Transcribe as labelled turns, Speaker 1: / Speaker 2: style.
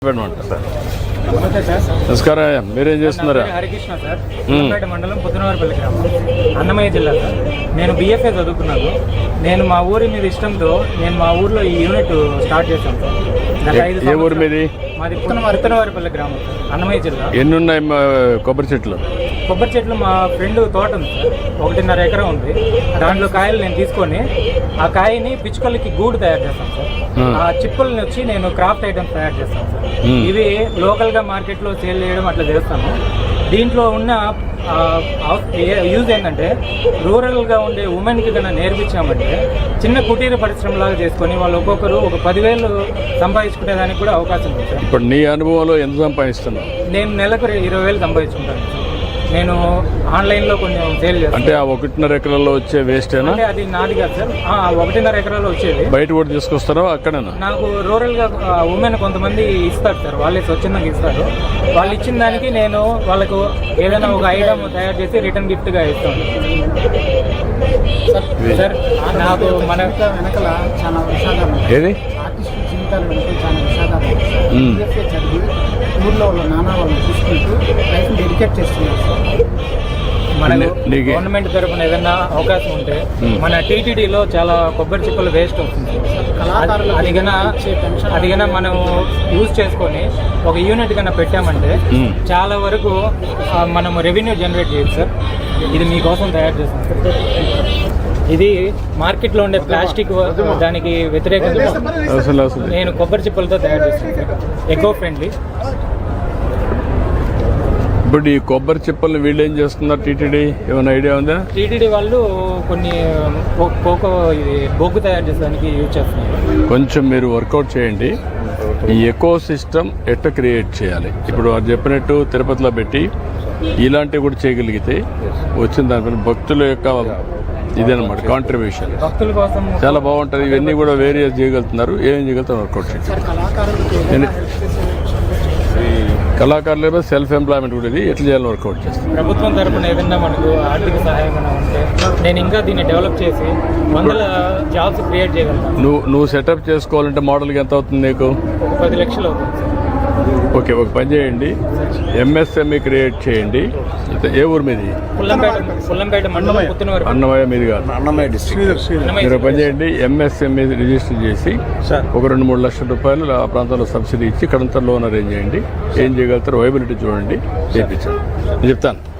Speaker 1: నమస్కారం. మీరేం చేస్తున్నారా?
Speaker 2: హరికృష్ణ సార్, పుల్లంపేట మండలం పుత్తనవారిపల్లి గ్రామం, అన్నమయ్య జిల్లా సార్. నేను BFA చదువుకున్నాను. నేను మా ఊరి మీద ఇష్టంతో నేను మా ఊర్లో ఈ యూనిట్ స్టార్ట్ చేశాను సార్.
Speaker 1: ఏ ఊరు మీది?
Speaker 2: మాది పుత్తనవారిపల్లి గ్రామం, అన్నమయ్య జిల్లా.
Speaker 1: ఎన్ని ఉన్నాయి కొబ్బరి చెట్లు?
Speaker 2: కొబ్బరి చెట్లు మా ఫ్రెండ్ తోట ఉంది సార్, 1.5 ఎకరం ఉంది. దాంట్లో కాయలు నేను తీసుకొని ఆ కాయని పిచ్చుకలకి గూడు తయారు చేస్తాను సార్. ఆ చిప్పుల్ని వచ్చి నేను క్రాఫ్ట్ ఐటమ్స్ తయారు చేస్తాను సార్. ఇవి లోకల్గా మార్కెట్లో సేల్ చేయడం అట్లా చేస్తాను. దీంట్లో ఉన్న యూజ్ ఏంటంటే రూరల్గా ఉండే ఉమెన్కి కన్నా నేర్పించామంటే చిన్న కుటీర పరిశ్రమలాగా చేసుకొని వాళ్ళు ఒక్కొక్కరు ఒక 10,000 సంపాదించుకునేదానికి కూడా అవకాశం ఉంది సార్.
Speaker 1: ఇప్పుడు నీ అనుభవంలో ఎంత సంపాదిస్తున్నావు?
Speaker 2: నేను నెలకు 20,000 సంపాదించుకుంటాను సార్. నేను ఆన్లైన్లో కొంచెం సేల్ చేస్తాను.
Speaker 1: అంటే ఆ 1.5 ఎకరాల్లో వచ్చే వేస్టేనా?
Speaker 2: అంటే అది నాది కాదు సార్, 1.5 ఎకరాల్లో వచ్చేది.
Speaker 1: బయట కూడా తీసుకొస్తారా అక్కడేనా?
Speaker 2: నాకు రూరల్గా ఉమెన్ కొంతమంది ఇస్తారు సార్, వాళ్ళే స్వచ్ఛందంగా ఇస్తారు. వాళ్ళు ఇచ్చిన దానికి నేను వాళ్ళకు ఏదైనా ఒక ఐటమ్ తయారు చేసి రిటర్న్ గిఫ్ట్గా ఇస్తాను సార్. నాకు మన వెనకల చాలా విషాదాలు,
Speaker 1: ఏది
Speaker 2: ఆర్టిస్ట్ జీవితాలు వెనక చాలా విషాదాలు చదివి ఊర్లో వాళ్ళ నాన్న వాళ్ళు చూసుకుంటూ లైఫ్ని డెడికేట్ చేస్తున్నారు సార్. మనకు గవర్నమెంట్ తరఫున ఏదైనా అవకాశం ఉంటే మన TTDలో చాలా కొబ్బరి చిప్పలు వేస్ట్ అవుతుంది. అది కన్నా మనం యూజ్ చేసుకొని ఒక యూనిట్ కన్నా పెట్టామంటే చాలా వరకు మనం రెవెన్యూ జనరేట్ చేయొచ్చు సార్. ఇది మీకోసం తయారు చేస్తాం సార్. ఇది మార్కెట్లో ఉండే ప్లాస్టిక్ దానికి వ్యతిరేకంగా నేను కొబ్బరి చిప్పలతో తయారు చేస్తాను సార్. Eco friendly.
Speaker 1: ఇప్పుడు ఈ కొబ్బరి చిప్పల్ని వీళ్ళు ఏం చేస్తున్నారు? TTD ఏమైనా ఐడియా ఉందా?
Speaker 2: TTD వాళ్ళు కొన్ని ఇది బొగ్గు తయారు చేసేదానికి యూజ్ చేస్తున్నారు.
Speaker 1: కొంచెం మీరు వర్కౌట్ చేయండి. ఈ ఎకో సిస్టమ్ ఎట్లా క్రియేట్ చేయాలి? ఇప్పుడు అది చెప్పినట్టు తిరుపతిలో పెట్టి ఇలాంటివి కూడా చేయగలిగితే వచ్చిన దానిపైన భక్తుల యొక్క ఇదన్నమాట కాంట్రిబ్యూషన్
Speaker 2: భక్తుల కోసం
Speaker 1: చాలా బాగుంటుంది. ఇవన్నీ కూడా వేరియస్ చేయగలుగుతున్నారు. ఏం చేయగలుగుతారు? వర్కౌట్ చేయండి. కళాకారులు సెల్ఫ్ ఎంప్లాయ్మెంట్ కూడా ఇది ఎట్లా చేయాలని వర్కౌట్ చేస్తాం.
Speaker 2: ప్రభుత్వం తరఫున ఏదైనా మనకు ఆర్థిక సహాయం ఉంటే నేను ఇంకా దీన్ని డెవలప్ చేసి 100 జాబ్స్ క్రియేట్ చేయగలను.
Speaker 1: నువ్వు సెటప్ చేసుకోవాలంటే మోడల్కి ఎంత అవుతుంది నీకు?
Speaker 2: 10 లక్షలు అవుతుంది సార్.
Speaker 1: ఓకే, ఒక పని చేయండి, MSME క్రియేట్ చేయండి. ఏ ఊరు మీది?
Speaker 2: పుల్లంపేట మండలం పుత్తనవారి.
Speaker 1: అన్నమయ్య మీది కాదు, అన్నమయ్య డిస్ట్రిక్ట్. మీరు పని చేయండి, MSME రిజిస్టర్ చేసి ఒక 2-3 లక్షల రూపాయలు ఆ ప్రాంతంలో సబ్సిడీ ఇచ్చి కడంతా లోన్ అరేంజ్ చేయండి. ఏం చేయగలుగుతారు? వైబిలిటీ చూడండి, చేయించండి. నేను చెప్తాను.